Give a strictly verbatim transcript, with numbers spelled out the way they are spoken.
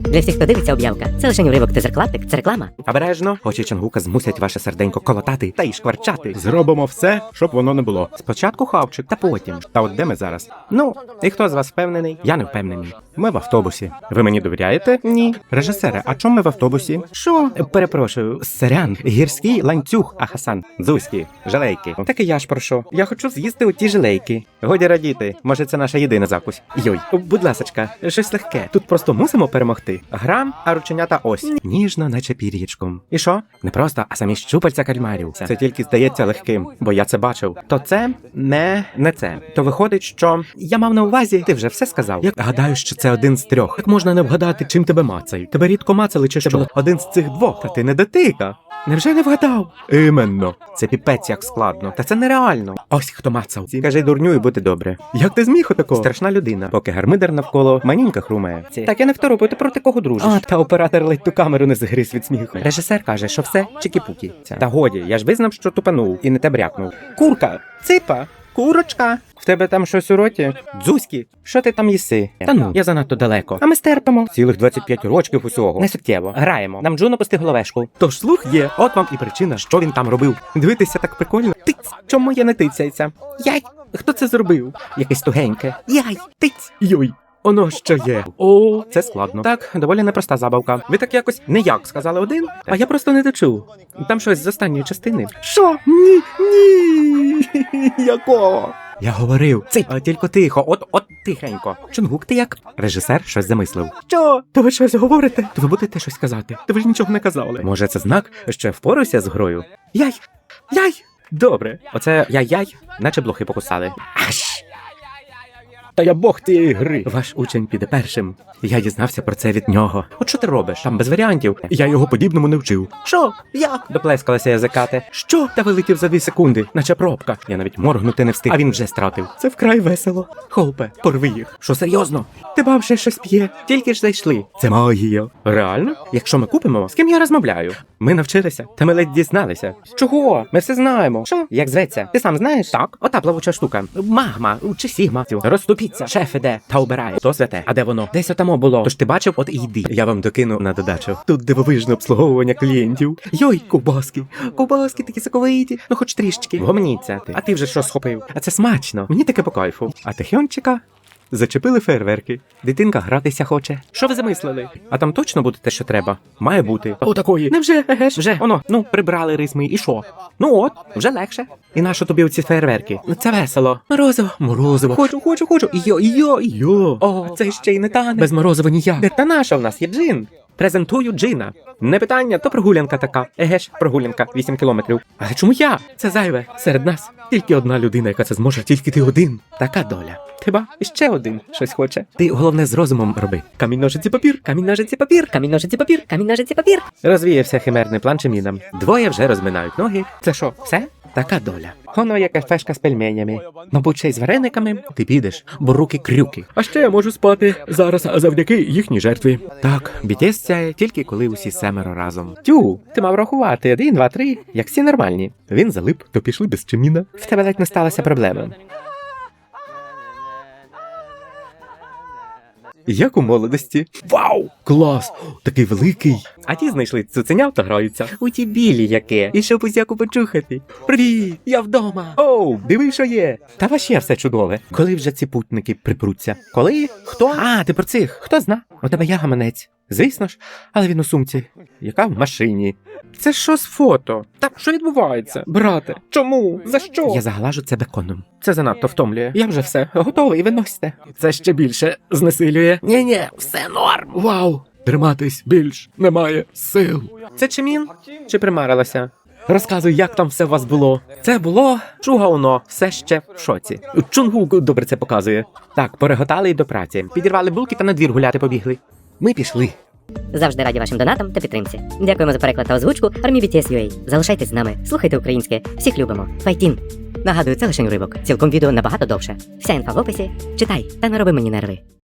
Для всіх, хто дивиться об'явка, це лише уривок тизер-клаптик, це реклама. Обережно, очі Чонгука змусять ваше серденько колотати та й шкварчати. Зробимо все, щоб воно не було. Спочатку хавчик, та потім. Та от де ми зараз? Ну, і хто з вас впевнений? Я не впевнений. Ми в автобусі. Ви мені довіряєте? Ні. Режисере, а чому ми в автобусі? Що? Перепрошую, сорян, гірський ланцюг, а Хасан. Дзузькі, жалейки. Так і я ж про що. Я хочу з'їсти оті жилейки. Годі радіти, може це наша єдина закусь. Йой, будь ласочка, щось легке. Тут просто мусимо перемогти. Грам, а рученята ось. Ніжно, наче пір'ячком. І що? Не просто, а самі щупальця кальмарів. Це тільки здається легким, бо я це бачив. То це не, не це. То виходить, що я мав на увазі, ти вже все сказав. Я гадаю, що це один з трьох. Як можна не вгадати, чим тебе мацають? Тебе рідко мацали чи що? Один з цих двох, та ти не дотика. Невже не вгадав? Іменно. Це піпець як складно. Та це нереально. Ось хто мацав. Кажи дурню і бути добре. Як ти зміг отакого? Страшна людина, поки гармидер навколо манюнька хрумає. Так я не второпаю, ти проти кого дружиш? А, та оператор ледь ту камеру не загриз від сміху. Режисер каже, що все чики-пуки. Та годі, я ж визнав, що тупанув і не те брякнув. Курка, ципа, курочка. В тебе там щось у роті? Дзузькі, що ти там їси? Та ну, я занадто далеко. А ми стерпимо. Цілих двадцять п'ять рочків усього. Не суттєво. Граємо. Нам Джуно пусти головешку. Тож слух є, от вам і причина, що він там робив. Дивитися так прикольно. Тиць, чому я не тицяється? Яй, хто це зробив? Якесь тугеньке. Яй, тиць. Йой. Оно що є. О, Це складно. так, доволі непроста забавка. Ви так якось не як сказали один, а я просто не дочув. Там щось з останньої частини. Що? Ні, ні. Якого? Я говорив, цей, а тільки тихо, от, от тихенько. Чонгук, ти як? Режисер щось замислив. Що? То ви щось говорите? То ви будете щось казати? То ви ж нічого не казали. Може, це знак, що я впорався з грою? Яй! Яй! Добре. Оце яй-яй, наче блохи покусали. Аж! Та я бог тієї гри. Ваш учень піде першим. Я дізнався про це від нього. От що ти робиш? Там без варіантів. Я його подібному не вчив. Що? Як? Доплескалася язикати. Що? Та вилетів за дві секунди, наче пробка. Я навіть моргнути не встиг, а він вже стратив. Це вкрай весело. Холпе, Порви їх. що серйозно? Ти бав ще щось п'є. Тільки ж зайшли. Це магія. Реально? Якщо ми купимо, з ким я розмовляю? Ми навчилися, та ми ледь дізналися. Чого? Ми все знаємо. Що? Як зветься? Ти сам знаєш? Так. Ота плавуча штука. Магма чи сігма. Розступіться. Шеф іде та обирає. Хто святе? А де воно? Десь отамо було. Тож ти бачив, от і йди. Я вам докину на додачу. Тут дивовижне обслуговування клієнтів. Йой, ковбаски. Ковбаски такі соковиті. Ну хоч трішечки. Гомніться ти. А ти вже що схопив? А це смачно. Мені таке по кайфу. А тихончика зачепили фейерверки. Дитинка гратися хоче. Що ви замислили? А там точно буде те, що треба? Має бути. О, такої. Невже, еге ж, вже, оно, ну, прибрали рисми, і що? Ну от, вже легше. І нащо тобі оці фейерверки? Ну, це весело. Морозиво. Морозиво. Хочу, хочу, хочу. Йо, йо, Йо. О, це ще й не тане. Без морозива ніяк. Де та наша в нас є джин? Презентую джина. Не питання, то прогулянка така. Еге ж, прогулянка, вісім кілометрів. Але чому я? Це зайве. Серед нас Тільки одна людина, яка це зможе, тільки ти один. така доля. Хіба іще один щось хоче. Ти головне з розумом роби. Камінь, ножиці, папір. Камінь, ножиці, папір. Камінь, ножиці, папір, камінь, ножиці, папір. Розвіявся химерний план чимінам. Двоє вже розминають ноги. Це що, все? Така доля. Воно є кафешка з пельменями. Мабуть, ще й з варениками. Ти підеш, бо руки крюки. А ще я можу спати зараз завдяки їхній жертві. Так, бі ті ес сяє тільки коли усі семеро разом. Тю, ти мав рахувати один, два, три, як всі нормальні. Він залип, то пішли без чиміна. В тебе ледь не сталася проблема. Як у молодості. Вау! Клас! Такий великий. А ті знайшли цуценят та граються. У ті білі яке. І щоб усяку почухати. Привіт! Я вдома! Оу, диви, що є! Та ваще все чудове. Коли вже ці путники припруться? Коли? Хто? А, ти про цих. Хто зна? У тебе є гаманець. Звісно ж, але він у сумці. Яка в машині? Це що з фото? Та що відбувається? Брате, чому? За що? Я заглажу це беконом. Це занадто втомлює. Я вже все. Готовий, виносьте. Це ще більше знесилює. Ні-ні, все норм. Вау! Триматись більш немає сил. Це чимін? Чи примарилася? Розказуй, як там все у вас було. Це було чугауно, все ще в шоці. Чунгук добре це показує. Так, пореготали й до праці. Підірвали булки та на двір гуляти побігли. Ми пішли. Завжди раді вашим донатам та підтримці. Дякуємо за переклад та озвучку армії бі ті ес ю ей. Залишайтесь з нами, слухайте українське, всіх любимо. Файтін! Нагадую, це лише уривок. Цілком відео набагато довше. Вся інфа в описі. Читай та не роби мені нерви.